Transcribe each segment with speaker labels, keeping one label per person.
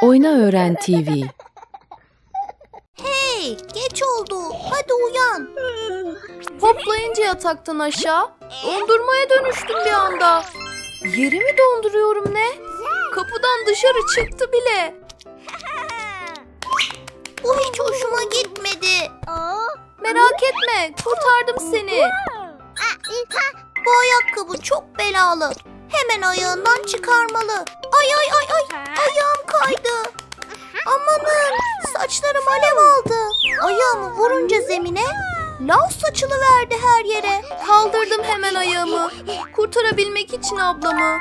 Speaker 1: Oyna Öğren TV.
Speaker 2: Hey, geç oldu. Hadi uyan.
Speaker 3: Hoplayınca yataktan aşağı, dondurmaya dönüştüm bir anda. Yerimi donduruyorum ne? Kapıdan dışarı çıktı bile.
Speaker 2: Bu hiç hoşuma gitmedi.
Speaker 3: Merak etme, kurtardım seni.
Speaker 2: Bu ayakkabı çok belalı. Hemen ayağından çıkarmalı. Ay ay ay ay. Ayağım kaydı. Amanın, saçlarım alev aldı. Ayağımı vurunca zemine lav saçılıverdi her yere.
Speaker 3: Kaldırdım hemen ayağımı, kurtarabilmek için ablamı.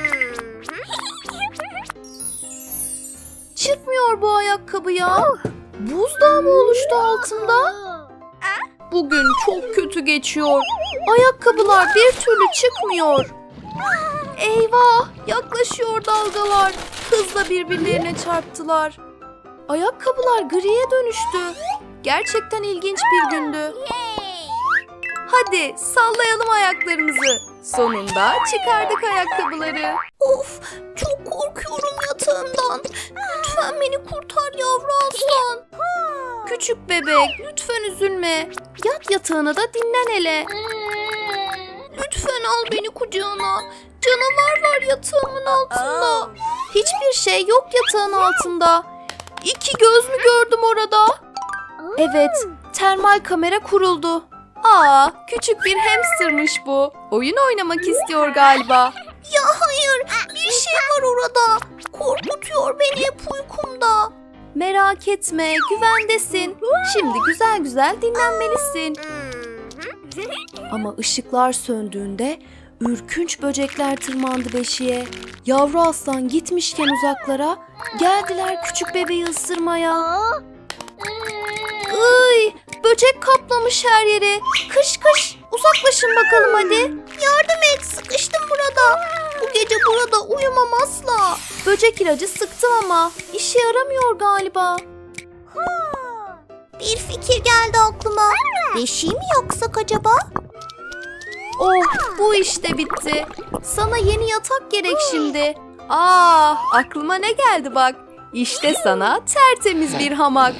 Speaker 3: Çıkmıyor bu ayakkabı ya. Buzdağı mı oluştu altında? Bugün çok kötü geçiyor. Ayakkabılar bir türlü çıkmıyor. Eyvah! Yaklaşıyor dalgalar. Hızla birbirlerine çarptılar. Ayakkabılar griye dönüştü. Gerçekten ilginç bir gündü. Hadi sallayalım ayaklarımızı. Sonunda çıkardık ayakkabıları.
Speaker 2: Of, çok korkuyorum yatağımdan. Lütfen beni kurtar yavru aslan.
Speaker 3: Küçük bebek, lütfen üzülme. Yat yatağına da dinlen hele.
Speaker 2: Lütfen al beni kucağına. Canavar var yatağımın altında.
Speaker 3: Hiçbir şey yok yatağın altında. İki göz mü gördüm orada? Evet, termal kamera kuruldu. Aa, küçük bir hamstermış bu. Oyun oynamak istiyor galiba.
Speaker 2: Ya hayır, bir şey var orada. Korkutuyor beni hep uykumda.
Speaker 3: Merak etme, güvendesin. Şimdi güzel güzel dinlenmelisin. Ama ışıklar söndüğünde ürkünç böcekler tırmandı beşiğe. Yavru aslan gitmişken uzaklara geldiler küçük bebeği ısırmaya. Iy, böcek kaplamış her yeri. Kış kış, uzaklaşın bakalım hadi.
Speaker 2: Yardım et, sıkıştım burada. Bu gece burada uyumam asla.
Speaker 3: Böcek ilacı sıktım ama işe yaramıyor galiba.
Speaker 2: Bir fikir geldi aklıma. Beşiği mi yaksak acaba?
Speaker 3: Oh, bu işte bitti. Sana yeni yatak gerek şimdi. Aklıma ne geldi bak. İşte sana tertemiz bir hamak.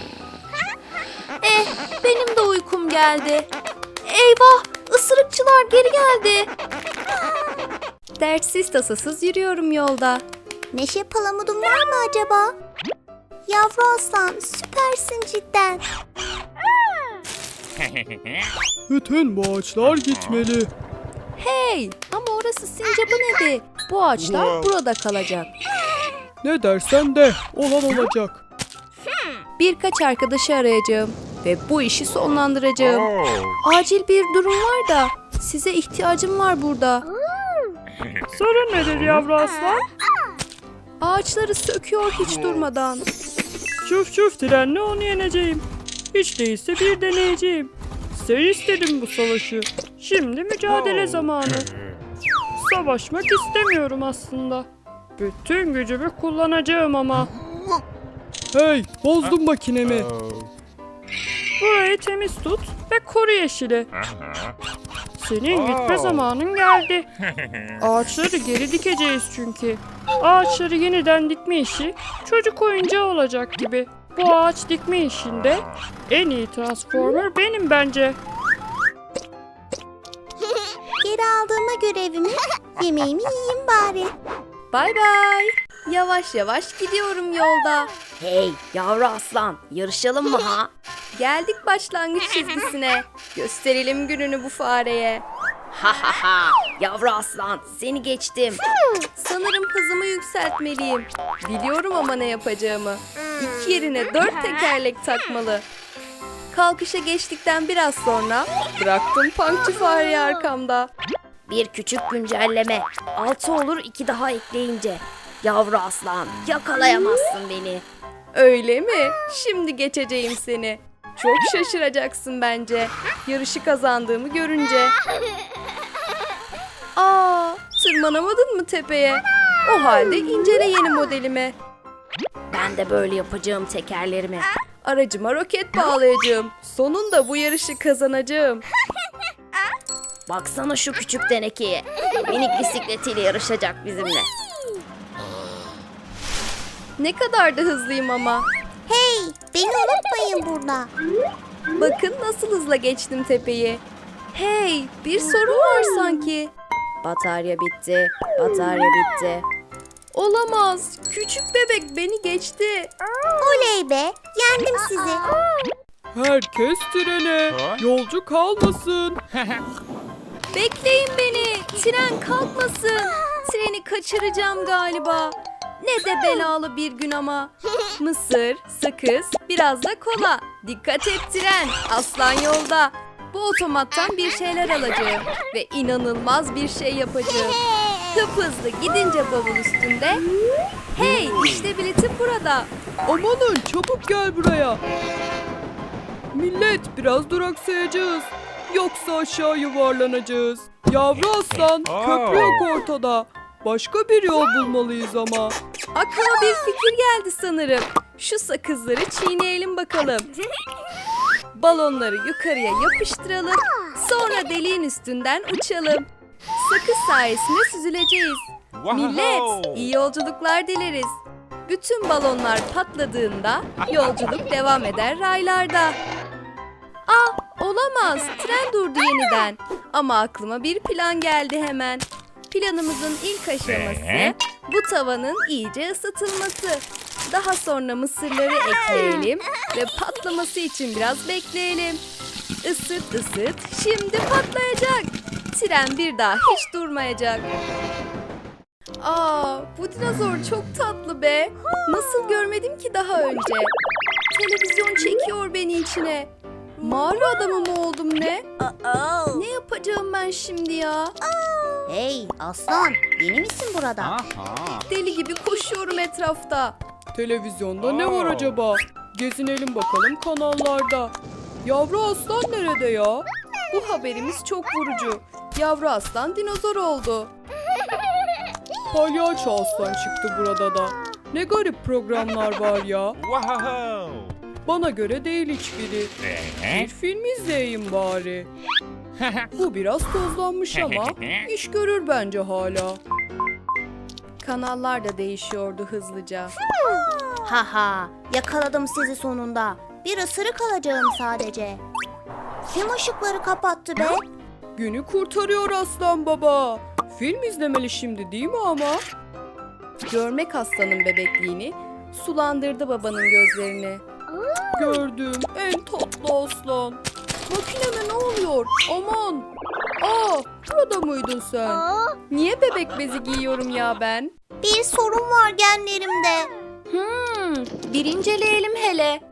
Speaker 3: Benim de uykum geldi. Eyvah, ısırıkçılar geri geldi. Dertsiz tasasız yürüyorum yolda.
Speaker 2: Neşe palamudun var mı acaba? Yavru aslan, süpersin cidden.
Speaker 4: Bütün bu ağaçlar gitmeli.
Speaker 3: Hey, ama orası sincapın evi. Bu ağaçlar burada kalacak.
Speaker 4: Ne dersen de olan olacak.
Speaker 3: Birkaç arkadaşı arayacağım ve bu işi sonlandıracağım. Acil bir durum var da size ihtiyacım var burada.
Speaker 4: Sorun nedir yavru aslan?
Speaker 3: Ağaçları söküyor hiç durmadan.
Speaker 4: Çuf çuf trenle onu yeneceğim. Hiç değilse bir deneyeceğim. Sen istedin bu savaşı. Şimdi mücadele zamanı. Savaşmak istemiyorum aslında. Bütün gücümü kullanacağım ama. Hey, bozdun makinemi. Burayı temiz tut ve koru yeşili. Senin gitme zamanın geldi. Ağaçları geri dikeceğiz çünkü. Ağaçları yeniden dikme işi çocuk oyuncağı olacak gibi. Bu ağaç dikme işinde en iyi transformer benim bence.
Speaker 2: Geri aldığıma görevimi, yemeğimi yiyeyim bari.
Speaker 3: Bay bay. Yavaş yavaş gidiyorum yolda.
Speaker 5: Hey yavru aslan, yarışalım mı ha?
Speaker 3: Geldik başlangıç çizgisine. Gösterelim gününü bu fareye.
Speaker 5: Ha ha ha, yavru aslan seni geçtim.
Speaker 3: Sanırım hızımı yükseltmeliyim. Biliyorum ama ne yapacağımı. İki yerine 4 tekerlek takmalı. Kalkışa geçtikten biraz sonra bıraktım punkçı fareyi arkamda.
Speaker 5: Bir küçük güncelleme. 6 olur 2 daha ekleyince. Yavru aslan, yakalayamazsın beni.
Speaker 3: Öyle mi? Şimdi geçeceğim seni. Çok şaşıracaksın bence. Yarışı kazandığımı görünce. Tırmanamadın mı tepeye? O halde incele yeni modelimi.
Speaker 5: Ben de böyle yapacağım tekerlerimi.
Speaker 3: Aracıma roket bağlayacağım. Sonunda bu yarışı kazanacağım.
Speaker 5: Baksana şu küçük tenekeye. Minik bisikletiyle yarışacak bizimle.
Speaker 3: Ne kadar da hızlıyım ama.
Speaker 2: Hey, beni unutmayın burada.
Speaker 3: Bakın nasıl hızla geçtim tepeyi. Hey, bir sorun var sanki.
Speaker 5: Batarya bitti. Batarya bitti.
Speaker 3: Olamaz. Küçük bebek beni geçti.
Speaker 2: Oley be, yendim sizi.
Speaker 4: Herkes trene. Yolcu kalmasın.
Speaker 3: Bekleyin beni. Tren kalkmasın. Treni kaçıracağım galiba. Ne de belalı bir gün ama. Mısır, sakız, biraz da kola. Dikkat et tren. Aslan yolda. Bu otomattan bir şeyler alacağım. Ve inanılmaz bir şey yapacağım. Hızlı gidince bavul üstünde. Hey, işte biletim burada.
Speaker 4: Amanın çabuk gel buraya. Millet biraz duraksayacağız. Yoksa aşağı yuvarlanacağız. Yavru aslan köprü yok ortada. Başka bir yol bulmalıyız ama.
Speaker 3: Aklıma bir fikir geldi sanırım. Şu sakızları çiğneyelim bakalım. Balonları yukarıya yapıştıralım. Sonra deliğin üstünden uçalım. Sakız sayesinde süzüleceğiz. Millet, iyi yolculuklar dileriz. Bütün balonlar patladığında yolculuk devam eder raylarda. Olamaz. Tren durdu yeniden. Ama aklıma bir plan geldi hemen. Planımızın ilk aşaması bu tavanın iyice ısıtılması. Daha sonra mısırları ekleyelim ve patlaması için biraz bekleyelim. Isıt ısıt, şimdi patlayacak. Tren bir daha hiç durmayacak. Bu dinozor çok tatlı be. Nasıl görmedim ki daha önce? Televizyon çekiyor beni içine. Mağara adamı mı oldum ne? Ne yapacağım ben şimdi ya?
Speaker 2: Hey aslan, yeni misin burada?
Speaker 3: Deli gibi koşuyorum etrafta.
Speaker 4: Televizyonda ne var acaba? Gezinelim bakalım kanallarda. Yavru aslan nerede ya?
Speaker 3: Bu haberimiz çok vurucu. Yavru aslan dinozor oldu.
Speaker 4: Palyaço aslan çıktı burada da. Ne garip programlar var ya. Bana göre değil hiçbiri. Bir film izleyeyim bari. Bu biraz tozlanmış ama iş görür bence hala.
Speaker 3: Kanallar da değişiyordu hızlıca.
Speaker 2: Haha, yakaladım sizi sonunda. Bir ısırık alacağım sadece. Kim ışıkları kapattı be?
Speaker 4: Günü kurtarıyor aslan baba. Film izlemeli şimdi değil mi ama?
Speaker 3: Görmek aslanın bebekliğini, sulandırdı babanın gözlerini.
Speaker 4: Gördüm en tatlı aslan.
Speaker 3: Makineme ne oluyor? Aman! Burada mıydın sen? Niye bebek bezi giyiyorum ya ben?
Speaker 2: Bir sorun var genlerimde.
Speaker 3: Bir inceleyelim hele.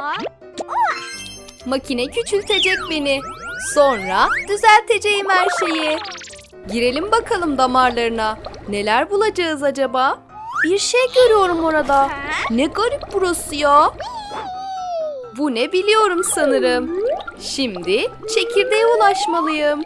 Speaker 3: Makine küçültecek beni. Sonra düzelteceğim her şeyi. Girelim bakalım damarlarına. Neler bulacağız acaba? Bir şey görüyorum orada. Ne garip burası ya. Bu ne biliyorum sanırım. Şimdi çekirdeğe ulaşmalıyım.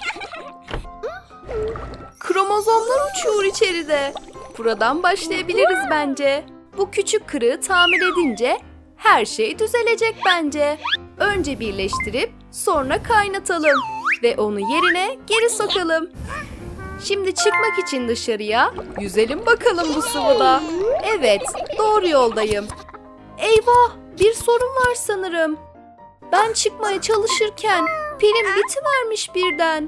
Speaker 3: Kromozomlar uçuyor içeride. Buradan başlayabiliriz bence. Bu küçük kırığı tamir edince her şey düzelecek bence. Önce birleştirip sonra kaynatalım ve onu yerine geri sokalım. Şimdi çıkmak için dışarıya yüzelim bakalım bu sıvıda. Evet, doğru yoldayım. Eyvah, bir sorun var sanırım. Ben çıkmaya çalışırken pilim bitivermiş birden.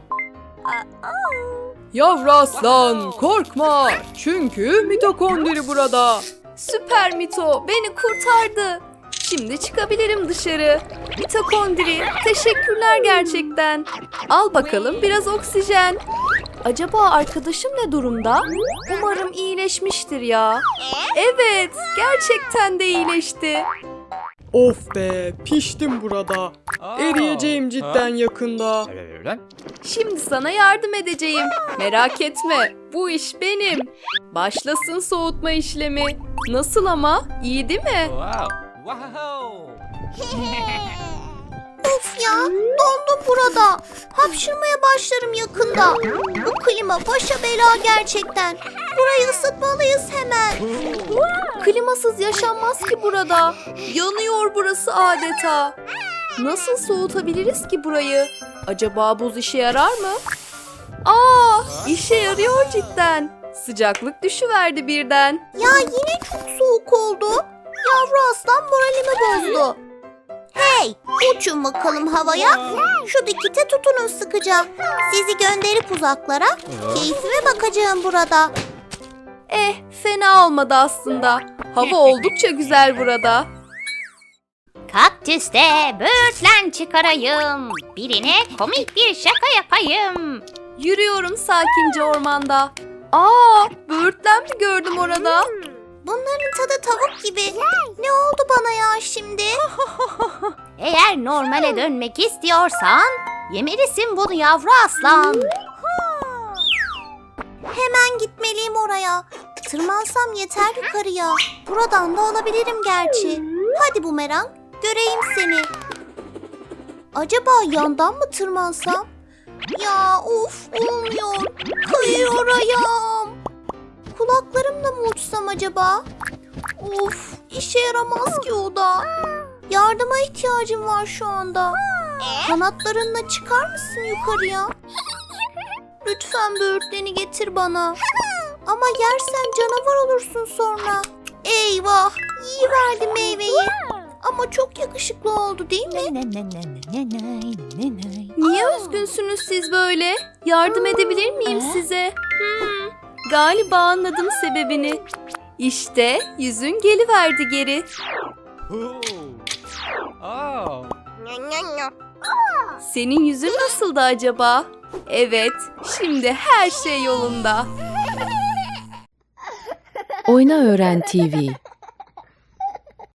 Speaker 4: Yavru aslan korkma. Çünkü mitokondri burada.
Speaker 3: Süper Mito, beni kurtardı. Şimdi çıkabilirim dışarı. Mitokondri, teşekkürler gerçekten. Al bakalım biraz oksijen. Acaba arkadaşım ne durumda? Umarım iyileşmiştir ya. Evet, gerçekten de iyileşti.
Speaker 4: Of be piştim burada. Eriyeceğim cidden yakında.
Speaker 3: Şimdi sana yardım edeceğim. Merak etme, bu iş benim. Başlasın soğutma işlemi. Nasıl ama? İyi değil mi?
Speaker 2: Of ya, dondum burada. Hapşırmaya başlarım yakında. Bu klima başa bela gerçekten. Burayı ısıtmalıyız hemen.
Speaker 3: Klimasız yaşanmaz ki burada. Yanıyor burası adeta. Nasıl soğutabiliriz ki burayı? Acaba buz işe yarar mı? İşe yarıyor cidden. Sıcaklık düşüverdi birden.
Speaker 2: Ya yine çok soğuk oldu. aslan moralimi bozdu. Hey, uçun bakalım havaya. Şu dikite tutunun sıkıca. Sizi gönderip uzaklara. Keyfime bakacağım burada.
Speaker 3: Fena olmadı aslında. Hava oldukça güzel burada.
Speaker 1: Kaktüste böğürtlen çıkarayım. Birine komik bir şaka yapayım.
Speaker 3: Yürüyorum sakince ormanda. Böğürtlen mi gördüm orada?
Speaker 2: Bunların tadı tavuk gibi. Ne oldu bana ya şimdi?
Speaker 1: Eğer normale dönmek istiyorsan yemelisin bunu yavru aslan.
Speaker 2: Hemen gitmeliyim oraya. Tırmansam yeter yukarıya. Buradan da alabilirim gerçi. Hadi bumerang, göreyim seni. Acaba yandan mı tırmansam? Ya of, olmuyor. Kayıyor ayağım. Kulaklarımla mı uçsam acaba? Of, işe yaramaz ki o da. Yardıma ihtiyacım var şu anda. Kanatlarınla çıkar mısın yukarıya? Lütfen böğürtleni getir bana. Ama yersen canavar olursun sonra. Eyvah, yiyiverdi meyveyi. Ama çok yakışıklı oldu değil mi?
Speaker 3: Niye üzgünsünüz siz böyle? Yardım edebilir miyim size? Galiba anladım sebebini. İşte yüzün geliverdi geri. Senin yüzün nasıldı acaba? Evet, şimdi her şey yolunda.
Speaker 6: Oyna Öğren TV